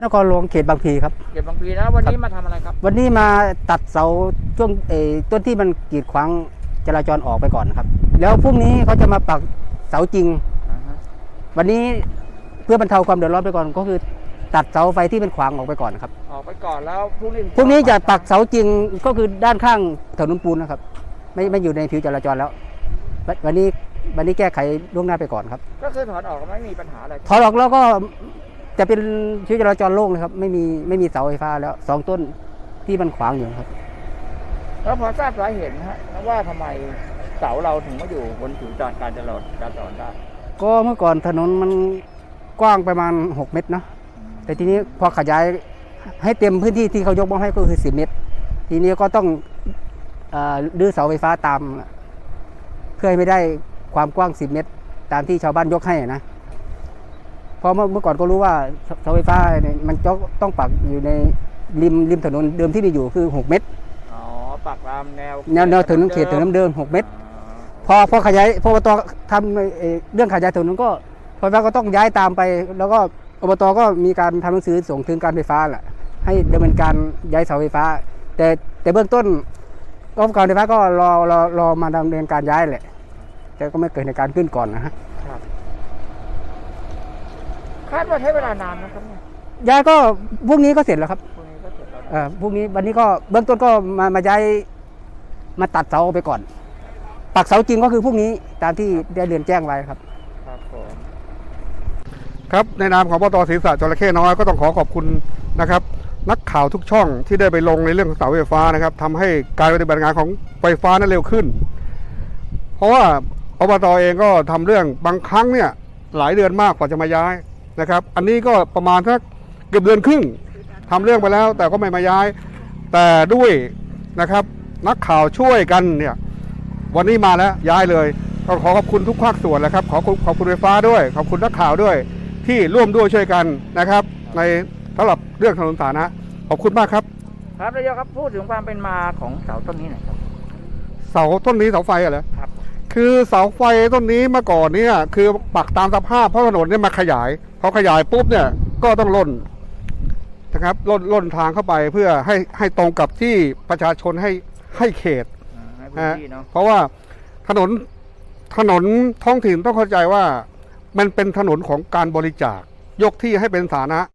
นครหลวงเขตบางพลีครับเก็บบางพลีแล้ววันนี้มาทำอะไรครับวันนี้มาตัดเสาช่วงต้นที่มันกีดขวางจราจรออกไปก่อนครับแล้วพรุ่งนี้เขาจะมาปักเสาจริงวันนี้เพื่อบรรเทาความเดือดร้อนไปก่อนก็คือตัดเสาไฟที่เป็นขวางออกไปก่อนครับออกไปก่อนแล้วพรุ่งนี้จะปักเสาจริงก็คือด้านข้างถนนปูนนะครับไม่อยู่ในผิวจราจรแล้ววันนี้แก้ไขล่วงหน้าไปก่อนครับก็คือถอดออกไม่มีปัญหาอะไรถอดออกแล้วก็จะเป็นผิวจราจรโล่งเลยครับไม่มีเสาไฟฟ้าแล้ว2 ต้นที่มันขวางอยู่ครับแล้วพอทราบสาเหตุนะฮะว่าทำไมเสาเราถึงมาอยู่บนผิวการจราจรได้ก็เมื่อก่อนถนนมันกว้างประมาณ6 เมตรเนาะแต่ทีนี้พอขยายให้เต็มพื้นที่ที่เขายกมาให้ก็คือ10 เมตรทีนี้ก็ต้องรื้อเสาไฟฟ้าตามเพื่อให้ไม่ได้ความกว้าง10 เมตรตามที่ชาวบ้านยกให้นะเพราะเมื่อก่อนก็รู้ว่าเสาไฟฟ้าเนี่ยมันต้องปักอยู่ในริมถนนเดิมที่มีอยู่คือ6 เมตรอ๋อปักตามแนวถนนเขตถนนเดิม6 เมตรพอขยายพออบตทำเรื่องขยายถนนก็ไฟฟ้าก็ต้องย้ายตามไปแล้วก็อบตก็มีการทำหนังสือส่งถึงการไฟฟ้าแหละให้ดำเนินการย้ายเสาไฟฟ้าแต่เบื้องต้นการไฟฟ้าก็รอมาดำเนินการย้ายแหละแต่ก็ไม่เกิดในการขึ้นก่อนนะฮะคาดว่าใช้เวลานานนะครับย้ายก็พรุ่งนี้ก็เสร็จแล้วครับพรุ่งนี้ก็เสร็จแล้วพรุ่งนี้วันนี้ก็เบื้องต้นก็มาย้ายมาตัดเสาไปก่อนปักเสาจริงก็คือพรุ่งนี้ตามที่ได้เรียนแจ้งไว้ครับครับในนามของปต.ศรีษะจระเข้น้อยก็ต้องขอบคุณนะครับนักข่าวทุกช่องที่ได้ไปลงในเรื่องของเสาไฟฟ้านะครับทำให้การปฏิบัติงานของไฟฟ้านั้นเร็วขึ้นเพราะว่าอบต.เองก็ทำเรื่องบางครั้งเนี่ยหลายเดือนมากกว่าจะมาย้ายนะครับอันนี้ก็ประมาณสักเกือบเดือนครึ่งทำเรื่องไปแล้วแต่ก็ไม่มาย้ายแต่ด้วยนะครับนักข่าวช่วยกันเนี่ยวันนี้มาแล้วย้ายเลยก็ขอบคุณทุกภาคส่วนแล้วครับขอบคุณไฟฟ้าด้วยขอบคุณนักข่าวด้วยที่ร่วมด้วยช่วยกันนะครับในสำหรับเรื่องถนนสาธารณะขอบคุณมากครับครับนายกครับพูดถึงความเป็นมาของเสาต้นนี้หน่อยครับเสาต้นนี้เสาไฟเหรอครับคือเสาไฟต้นนี้เมื่อก่อนเนี่ยคือปักตามสภาพเพราะถนนเนี่ยมาขยายพอขยายปุ๊บเนี่ยก็ต้องล่นนะครับล่นทางเข้าไปเพื่อให้ตรงกับที่ประชาชนให้เขตเพราะว่าถนนท้องถิ่นต้องเข้าใจว่ามันเป็นถนนของการบริจาคยกที่ให้เป็นสาธารณะ